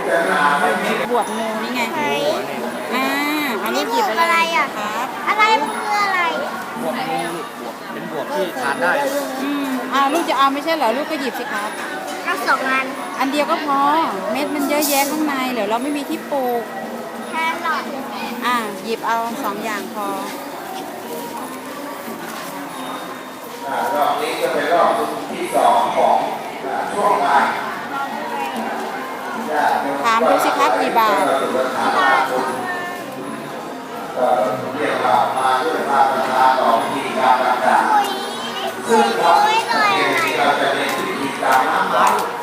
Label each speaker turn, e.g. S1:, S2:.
S1: บวกงูนี่ไงเอาลูกหยิบอะไรครับ
S2: อะไรมันคืออะไร
S3: บวกงูลูกบวกเป็นบวกที่ทานได้
S1: ลูกจะเอาไม่ใช่เหรอลูกก็หยิบสิครับ
S2: เอา2 อัน
S1: อันเดียวก็พอเม็ดมันเยอะแยะข้างในเดี๋ยวเราไม่มีที่ปลูก
S2: แค่หลอด
S1: หยิบเอา2 อย่างพอ
S4: รอบนี้จะเป็นรอบที่2ของช่วงงาน
S1: ถามดูสิครับกี่บาท
S4: เรียกว่ามาด้วยมาตรการต่อพิธีการต่างๆซึ่งเราจะเรียนวิธีการน้ำไหล